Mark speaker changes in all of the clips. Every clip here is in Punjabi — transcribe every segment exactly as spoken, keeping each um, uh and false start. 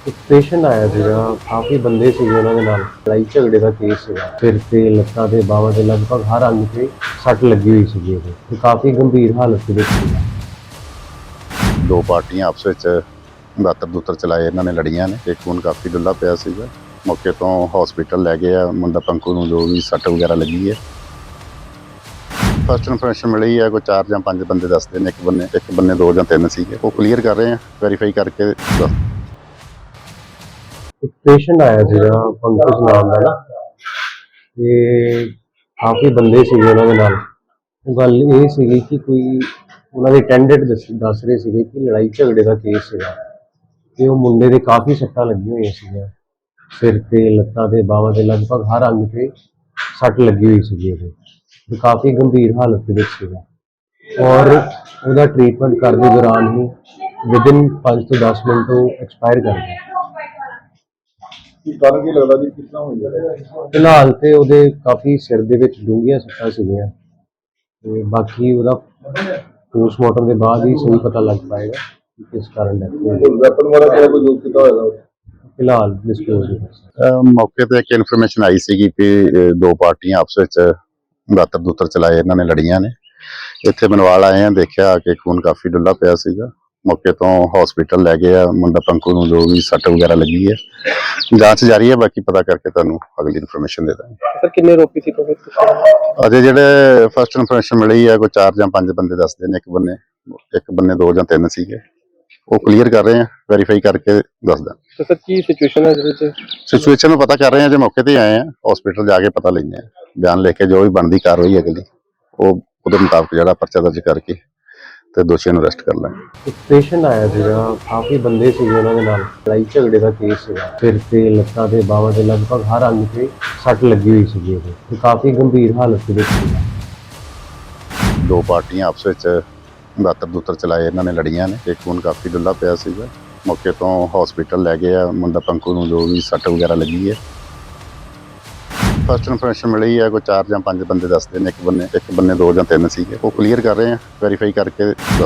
Speaker 1: ਇੱਕ ਪੇਸ਼ੈਂਟ ਆਇਆ ਸੀਗਾ, ਕਾਫੀ ਬੰਦੇ ਸੀਗੇ ਉਹਨਾਂ ਦੇ ਨਾਲ, ਲੜਾਈ ਝਗੜੇ ਦਾ ਕੇਸ ਸੀਗਾ। ਸਿਰ ਤੇ, ਲੱਤਾਂ ਤੇ, ਬਾਹਾਂ ਤੇ ਲਗਭਗ ਹਰ ਅੰਗ ਤੇ ਸੱਟ ਲੱਗੀ ਹੋਈ ਸੀਗੀ ਉਹਦੇ ਤੇ ਕਾਫੀ ਗੰਭੀਰ ਹਾਲਤ ਦੇ ਵਿੱਚ ਸੀਗਾ।
Speaker 2: ਦੋ ਪਾਰਟੀਆਂ ਆਪਸ ਵਿੱਚ ਦਾਤਰ ਦੂਤਰ ਚਲਾਏ ਇਹਨਾਂ ਨੇ ਲੜੀਆਂ ਨੇ। ਇੱਕ ਖੂਨ ਕਾਫੀ ਡੁੱਲਾ ਪਿਆ ਸੀਗਾ। ਮੌਕੇ ਤੋਂ ਹਸਪੀਟਲ ਲੈ ਗਏ ਆ ਮੁੰਡਾ ਪੰਕੂ ਨੂੰ, ਜੋ ਵੀ ਸੱਟ ਵਗੈਰਾ ਲੱਗੀ ਹੈ। ਫਸਟ ਇਨਫੋਰਮੇਸ਼ਨ ਮਿਲੀ ਹੈ ਕੋਈ ਚਾਰ ਜਾਂ ਪੰਜ ਬੰਦੇ ਦੱਸਦੇ ਨੇ, ਇੱਕ ਬੰਨੇ ਇੱਕ ਬੰਨੇ ਦੋ ਜਾਂ ਤਿੰਨ ਸੀਗੇ। ਉਹ ਕਲੀਅਰ ਕਰ ਰਹੇ ਆ, ਵੈਰੀਫਾਈ ਕਰਕੇ ਦੱਸ।
Speaker 1: ਇੱਕ ਪੇਸ਼ੈਂਟ ਆਇਆ ਸੀਗਾ ਪੰਕਜ ਨਾਮ ਦਾ ਨਾ, ਤੇ ਕਾਫੀ ਬੰਦੇ ਸੀਗੇ ਉਹਨਾਂ ਦੇ ਨਾਲ। ਉਹ ਗੱਲ ਇਹ ਸੀਗੀ ਕਿ ਕੋਈ ਉਹਨਾਂ ਦੇ ਅਟੈਂਡੈਂਟ ਦੱਸ ਦੱਸ ਰਹੇ ਸੀਗੇ ਕਿ ਲੜਾਈ ਝਗੜੇ ਦਾ ਕੇਸ ਸੀਗਾ ਤੇ ਉਹ ਮੁੰਡੇ ਦੇ ਕਾਫੀ ਸੱਟਾਂ ਲੱਗੀਆਂ ਹੋਈਆਂ ਸੀਗੀਆਂ। ਸਿਰ ਤੇ, ਲੱਤਾਂ ਤੇ, ਬਾਹਾਂ ਤੇ ਲਗਭਗ ਹਰ ਅੰਗ ਤੇ ਸੱਟ ਲੱਗੀ ਹੋਈ ਸੀਗੀ ਉਹਦੇ ਤੇ ਕਾਫੀ ਗੰਭੀਰ ਹਾਲਤ ਦੇ ਵਿੱਚ ਸੀਗਾ। ਔਰ ਉਹਦਾ ਟ੍ਰੀਟਮੈਂਟ ਕਰਦੇ ਦੌਰਾਨ ਹੀ ਵਿਦਿਨ ਪੰਜ ਤੋਂ ਦਸ ਮਿੰਟ ਉਹ ਐਕਸਪਾਇਰ ਕਰ ਗਿਆ।
Speaker 3: ਕੀ ਕਾਰਨ ਕੀ ਲੱਗਦਾ ਜੀ, ਕਿਸ ਤਰ੍ਹਾਂ ਹੋਈ ਹੈ?
Speaker 1: ਫਿਲਹਾਲ ਤੇ ਉਹਦੇ ਕਾਫੀ ਸਿਰ ਦੇ ਵਿੱਚ ਡੂੰਘੀਆਂ ਸੱਟਾਂ ਸੀਗੀਆਂ ਤੇ ਬਾਕੀ ਉਹਦਾ ਪੋਸਟਮਾਰਟਮ ਦੇ ਬਾਅਦ ਹੀ ਸਹੀ ਪਤਾ ਲੱਗ ਪਾਏਗਾ ਕਿ ਕਿਸ ਕਾਰਨ ਡੈਥ ਹੋਈ।
Speaker 3: ਵੈਪਨ ਵਾਲਾ ਕਿਹੜਾ ਕੋਈ ਯੂਜ਼ ਕੀਤਾ ਹੋਏਗਾ?
Speaker 1: ਫਿਲਹਾਲ ਡਿਸਕਲੋਜ਼ ਨਹੀਂ ਕਰ ਸਕਦੇ।
Speaker 2: ਅਹ ਮੌਕੇ ਤੇ ਇੱਕ ਇਨਫੋਰਮੇਸ਼ਨ ਆਈ ਸੀਗੀ ਕਿ ਅਹ ਦੋ ਪਾਰਟੀਆਂ ਆਪਸ ਵਿੱਚ ਦਾਤਰ ਦੂਤਰ ਚਲਾਏ ਇਹਨਾਂ ਨੇ ਲੜੀਆਂ ਨੇ। ਇੱਥੇ ਮਨਵਾਲ ਆਏ ਆ, ਦੇਖਿਆ ਕਿ ਖੂਨ ਕਾਫੀ ਡੁੱਲਾ ਪਿਆ ਸੀਗਾ। ਮੌਕੇ ਤੋਂ ਹਸਪੀਟਲ ਲੈ ਗਏ ਆ ਮੁੰਡਾ ਪੰਕੂ ਨੂੰ, ਜੋ ਵੀ ਸੱਟ ਵਗੈਰਾ ਲੱਗੀ ਹੈ। ਜਾਂਚ ਜਾਰੀ ਹੈ, ਬਾਕੀ ਪਤਾ ਕਰਕੇ ਤੁਹਾਨੂੰ ਅਗਲੀ ਇਨਫੋਰਮੇਸ਼ਨ ਦੇ ਦਾਂਗੇ।
Speaker 3: ਸਰ ਕਿੰਨੇ ਰੋਪੀ ਸੀ ਕੋਈ?
Speaker 2: ਅਜੇ ਜਿਹੜੇ ਫਸਟ ਇਨਫੋਰਮੇਸ਼ਨ ਮਿਲੀ ਹੈ ਕੋਈ ਚਾਰ ਜਾਂ ਪੰਜ ਬੰਦੇ ਦੱਸਦੇ ਨੇ, ਇੱਕ ਬੰਨੇ ਇੱਕ ਬੰਨੇ ਦੋ ਜਾਂ ਤਿੰਨ ਸੀਗੇ। ਉਹ ਕਲੀਅਰ ਕਰ ਰਹੇ ਆ, ਵੈਰੀਫਾਈ ਕਰਕੇ ਦੱਸਦਾ।
Speaker 3: ਤੇ ਸਰ ਕੀ ਸਿਚੁਏਸ਼ਨ ਹੈ ਜਿਹਦੇ ਚ?
Speaker 2: ਸਿਚੁਏਸ਼ਨ ਨੂੰ ਪਤਾ ਕਰ ਰਹੇ ਆ, ਜੇ ਮੌਕੇ ਤੇ ਆਏ ਆ ਹਸਪੀਟਲ ਜਾ ਕੇ ਪਤਾ ਲੈਂਦੇ ਆ, ਬਿਆਨ ਲਿਖ ਕੇ ਜੋ ਵੀ ਬਣਦੀ ਕਾਰਵਾਈ ਅਗਲੀ ਉਹ ਉਹਦੇ ਮੁਤਾਬਕ ਜਿਹੜਾ ਪਰਚਾ ਦਰਜ ਕਰਕੇ ਤੇ ਦੋਸ਼ੀਆਂ ਨੂੰ ਅਰੈਸਟ ਕਰ ਲਾਂਗੇ।
Speaker 1: ਇੱਕ ਪੇਸ਼ੈਂਟ ਆਇਆ ਸੀਗਾ, ਕਾਫੀ ਬੰਦੇ ਸੀਗੇ ਉਹਨਾਂ ਦੇ ਨਾਲ, ਲੜਾਈ ਝਗੜੇ ਦਾ ਕੇਸ ਸੀਗਾ। ਸਿਰ ਤੇ, ਲੱਤਾਂ ਤੇ, ਬਾਹਾਂ ਤੇ ਲਗਭਗ ਹਰ ਅੰਗ ਤੇ ਸੱਟ ਲੱਗੀ ਹੋਈ ਸੀਗੀ ਉਹਦੇ ਤੇ ਕਾਫੀ ਗੰਭੀਰ ਹਾਲਤ ਦੇ ਵਿੱਚ ਸੀਗਾ।
Speaker 2: ਦੋ ਪਾਰਟੀਆਂ ਆਪਸ ਵਿੱਚ ਦਾਤਰ ਦੂਤਰ ਚਲਾਏ ਇਹਨਾਂ ਨੇ ਲੜੀਆਂ ਨੇ। ਇੱਕ ਖੂਨ ਕਾਫੀ ਡੁੱਲਾ ਪਿਆ ਸੀਗਾ। ਮੌਕੇ ਤੋਂ ਹਸਪੀਟਲ ਲੈ ਗਏ ਆ ਮੁੰਡਾ ਪੰਕੂ ਨੂੰ, ਜੋ ਵੀ ਸੱਟ ਵਗੈਰਾ ਲੱਗੀ ਹੈ। ਫਸਟ ਇਨਫੋਰਮੇਸ਼ਨ ਮਿਲੀ ਹੈ ਕੋਈ ਚਾਰ ਜਾਂ ਪੰਜ ਬੰਦੇ ਦੱਸਦੇ ਨੇ, ਇੱਕ ਬੰਨੇ ਇੱਕ ਬੰਨੇ ਦੋ ਜਾਂ ਤਿੰਨ ਸੀਗੇ। ਉਹ ਕਲੀਅਰ ਕਰ ਰਹੇ ਆ, ਵੈਰੀਫਾਈ ਕਰਕੇ ਦੱਸ।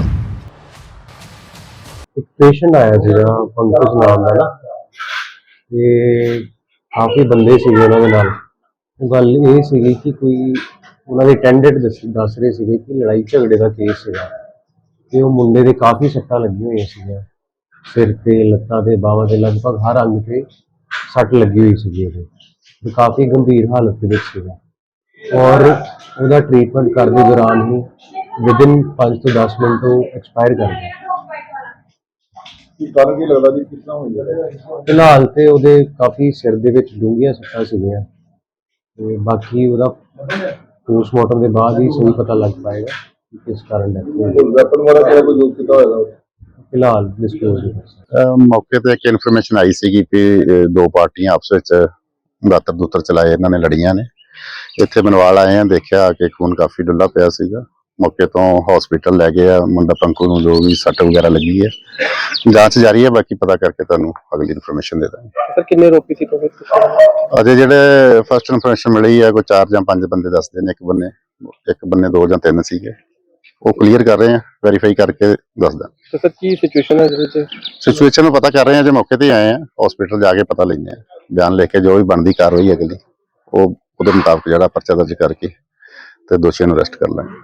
Speaker 1: ਇੱਕ ਪੇਸ਼ੈਂਟ ਆਇਆ ਸੀਗਾ ਪੰਕਜ ਨਾਮ ਦਾ ਨਾ, ਤੇ ਕਾਫੀ ਬੰਦੇ ਸੀਗੇ ਉਹਨਾਂ ਦੇ ਨਾਲ। ਉਹ ਗੱਲ ਇਹ ਸੀਗੀ ਕਿ ਕੋਈ ਉਹਨਾਂ ਦੇ ਅਟੈਂਡੈਂਟ ਦੱਸ ਦੱਸ ਰਹੇ ਸੀਗੇ ਕਿ ਲੜਾਈ ਝਗੜੇ ਦਾ ਕੇਸ ਸੀਗਾ ਤੇ ਉਹ ਮੁੰਡੇ ਦੇ ਕਾਫੀ ਸੱਟਾਂ ਲੱਗੀਆਂ ਹੋਈਆਂ ਸੀਗੀਆਂ। ਸਿਰ ਤੇ, ਲੱਤਾਂ ਤੇ, ਬਾਹਾਂ ਤੇ ਲਗਭਗ ਹਰ ਅੰਗ ਤੇ ਸੱਟ ਲੱਗੀ ਹੋਈ ਸੀਗੀ ਉਹਦੇ ਤੇ ਕਾਫੀ ਗੰਭੀਰ ਹਾਲਤ ਦੇ ਵਿੱਚ ਸੀਗਾ। ਔਰ ਉਹਦਾ ਟ੍ਰੀਟਮੈਂਟ ਕਰਦੇ ਦੌਰਾਨ ਹੀ ਵਿਦਿਨ ਪੰਜ ਤੋਂ ਦਸ ਮਿੰਟ ਉਹ ਐਕਸਪਾਇਰ ਕਰ ਗਿਆ।
Speaker 3: ਕੀ ਕਾਰਨ ਕੀ ਲੱਗਦਾ ਜੀ, ਕਿਸ ਤਰ੍ਹਾਂ ਹੋਈ ਹੈ?
Speaker 1: ਫਿਲਹਾਲ ਤੇ ਉਹਦੇ ਕਾਫੀ ਸਿਰ ਦੇ ਵਿੱਚ ਡੂੰਘੀਆਂ ਸੱਟਾਂ ਸੀਗੀਆਂ ਤੇ ਬਾਕੀ ਉਹਦਾ ਪੋਸਟਮਾਰਟਮ ਦੇ ਬਾਅਦ ਹੀ ਸਹੀ ਪਤਾ ਲੱਗ ਪਾਏਗਾ ਕਿ ਕਿਸ ਕਾਰਨ ਡੈਥ ਹੋਈ।
Speaker 3: ਵੈਪਨ ਵਾਲਾ ਕਿਹੜਾ ਕੋਈ ਯੂਜ਼ ਕੀਤਾ ਹੋਏਗਾ?
Speaker 1: ਫਿਲਹਾਲ ਡਿਸਕਲੋਜ਼ ਨਹੀਂ ਕਰ ਸਕਦੇ।
Speaker 2: ਅਹ ਮੌਕੇ ਤੇ ਇੱਕ ਇਨਫੋਰਮੇਸ਼ਨ ਆਈ ਸੀਗੀ ਕਿ ਅਹ ਦੋ ਪਾਰਟੀਆਂ ਆਪਸ ਵਿੱਚ ਦਾਤਰ ਦੂਤਰ ਚਲਾਏ ਇਹਨਾਂ ਨੇ ਲੜੀਆਂ ਨੇ। ਇੱਥੇ ਮਨਵਾਲ ਆਏ ਆ, ਦੇਖਿਆ ਕਿ ਖੂਨ ਕਾਫੀ ਡੁੱਲਾ ਪਿਆ ਸੀਗਾ। ਮੌਕੇ ਤੋਂ ਹਸਪੀਟਲ ਲੈ ਗਏ ਆ ਮੁੰਡਾ ਪੰਕੂ ਨੂੰ, ਜੋ ਵੀ ਸੱਟ ਵਗੈਰਾ ਲੱਗੀ ਹੈ। ਜਾਂਚ ਜਾਰੀ ਹੈ, ਬਾਕੀ ਪਤਾ ਕਰਕੇ ਤੁਹਾਨੂੰ ਅਗਲੀ ਇਨਫੋਰਮੇਸ਼ਨ ਦੇ ਦਾਂਗੇ।
Speaker 3: ਸਰ ਕਿੰਨੇ ਰੋਪੀ ਸੀ ਕੋਈ?
Speaker 2: ਅਜੇ ਜਿਹੜੇ ਫਸਟ ਇਨਫੋਰਮੇਸ਼ਨ ਮਿਲੀ ਹੈ ਕੋਈ ਚਾਰ ਜਾਂ ਪੰਜ ਬੰਦੇ ਦੱਸਦੇ ਨੇ, ਇੱਕ ਬੰਨੇ ਇੱਕ ਬੰਨੇ ਦੋ ਜਾਂ ਤਿੰਨ ਸੀਗੇ। ਉਹ ਕਲੀਅਰ ਕਰ ਰਹੇ ਆ, ਵੈਰੀਫਾਈ ਕਰਕੇ ਦੱਸਦਾ।
Speaker 3: ਤੇ ਸਰ ਕੀ ਸਿਚੁਏਸ਼ਨ ਹੈ ਜਿਹਦੇ ਚ?
Speaker 2: ਸਿਚੁਏਸ਼ਨ ਨੂੰ ਪਤਾ ਕਰ ਰਹੇ ਆ, ਜੇ ਮੌਕੇ ਤੇ ਆਏ ਆ ਹਸਪੀਟਲ ਜਾ ਕੇ ਪਤਾ ਲੈਂਦੇ ਆ, ਬਿਆਨ ਲਿਖ ਕੇ ਜੋ ਵੀ ਬਣਦੀ ਕਾਰਵਾਈ ਅਗਲੀ ਉਹ ਉਹਦੇ ਮੁਤਾਬਕ ਜਿਹੜਾ ਪਰਚਾ ਦਰਜ ਕਰਕੇ ਤੇ ਦੋਸ਼ੀਆਂ ਨੂੰ ਅਰੈਸਟ ਕਰ ਲਾਂਗੇ।